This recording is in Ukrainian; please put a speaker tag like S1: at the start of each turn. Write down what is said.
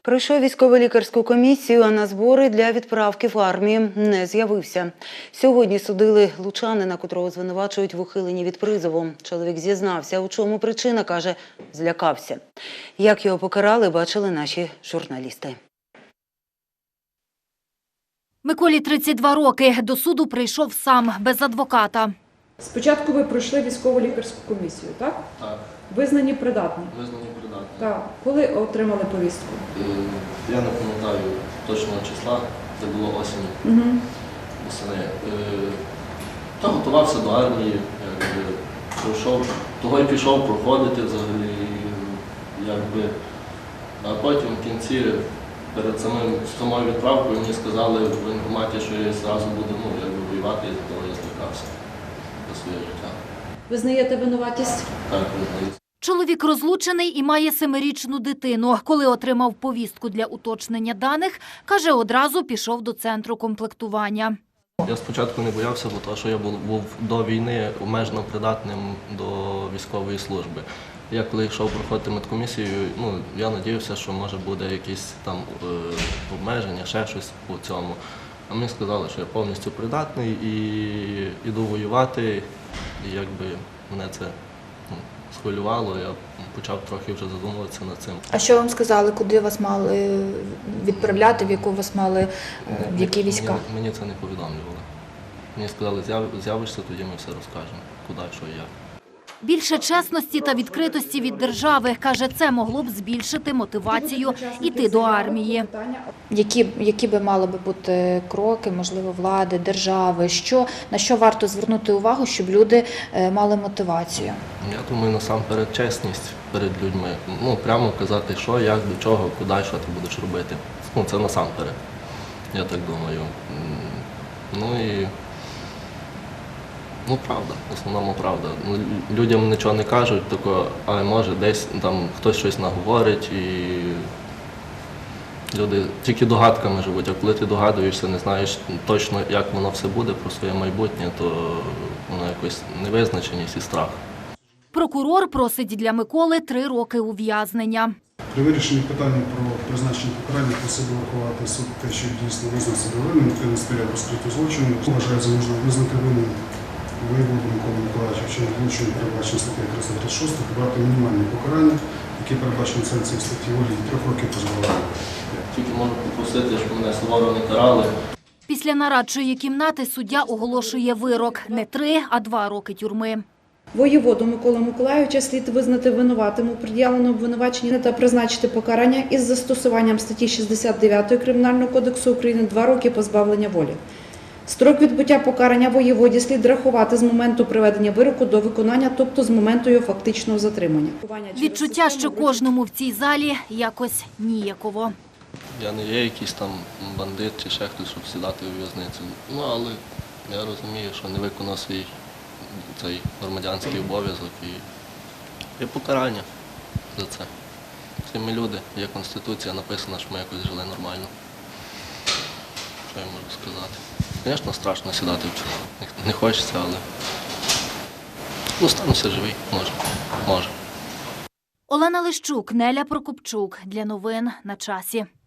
S1: Пройшов військово-лікарську комісію, а на збори для відправки в армію не з'явився. Сьогодні судили лучанина, котрого звинувачують в ухиленні від призову. Чоловік зізнався, у чому причина, каже, злякався. Як його покарали, бачили наші журналісти.
S2: Миколі 32 роки. До суду прийшов сам, без адвоката.
S3: Спочатку ви пройшли військово-лікарську комісію, так?
S4: Так,
S3: Визнані придатні?
S4: визнані придатні.
S3: Так. Коли отримали повістку?
S4: Я не пам'ятаю точного числа, це було осінь. Восени. Та готувався до армії, пройшов, того й пішов проходити взагалі, а потім в кінці, перед самою відправкою, мені сказали в воєнкоматі, що я зразу буду воювати, і за того я злякався за своє життя.
S3: Визнаєте винуватість?
S4: Так, визнаю.
S2: Чоловік розлучений і має 7-річну дитину. Коли отримав повістку для уточнення даних, каже, одразу пішов до центру комплектування.
S4: Я спочатку не боявся, бо того, що я був до війни обмежено придатним до військової служби. Я коли йшов проходити медкомісію, я сподівався, що може буде якісь там обмеження, ще щось по цьому. А мені сказали, що я повністю придатний і йду воювати, і мене це схвилювало, я почав трохи вже задумуватися над цим.
S5: А що вам сказали, куди вас мали відправляти, в яку вас мали, в які війська?
S4: Мені це не повідомлювали. Мені сказали, з'явишся, тоді ми все розкажемо, куди, що і як.
S2: Більше чесності та відкритості від держави, каже, це могло б збільшити мотивацію йти до армії.
S5: Які би мали би бути кроки, можливо, влади, держави, на що варто звернути увагу, щоб люди мали мотивацію?
S4: Я думаю, насамперед чесність перед людьми. Прямо казати, що, як, до чого, куди, що ти будеш робити. Це насамперед, я так думаю. Правда, в основному правда. Людям нічого не кажуть, але може десь там хтось щось наговорить і люди тільки догадками живуть, а коли ти догадуєшся, не знаєш точно, як воно все буде про своє майбутнє, то воно якось невизначеність і страх.
S2: Прокурор просить для Миколи 3 роки ув'язнення.
S6: При вирішенні питання про призначення покарання просив врахувати суд те, що дійсно визнав себе винним, який не сприяв розкриттю злочину. Вважає за можливо визнати винним воєводу Миколу Миколаївича вчинення злочину, передбачено статтею 336, обрати мінімальне покарання, яке передбачено санкцією статті волі 3 років позбавлення.
S4: Тільки можу попросити, щоб мене суворо не карали.
S2: Після нарадчої кімнати суддя оголошує вирок – не 3, а 2 роки тюрми.
S3: Воєводу Миколу Миколаївича слід визнати винуватим у пред'явленому обвинуваченні та призначити покарання із застосуванням статті 69 Кримінального кодексу України 2 роки позбавлення волі. Строк відбуття покарання воєводі слід рахувати з моменту приведення вироку до виконання, тобто з моменту його фактичного затримання.
S2: Відчуття, що кожному в цій залі якось ніяково.
S4: Я не є якийсь там бандит чи ще хтось, щоб сідати у в'язницю. Але я розумію, що не виконав свій цей громадянський обов'язок і є покарання за це. Всі ми люди, є Конституція, написано, що ми якось жили нормально. Що я можу сказати? Звісно, страшно сідати в тюрму. Не хочеться, але стануся живий, може.
S2: Олена Лищук, Неля Прокопчук. Для новин на часі.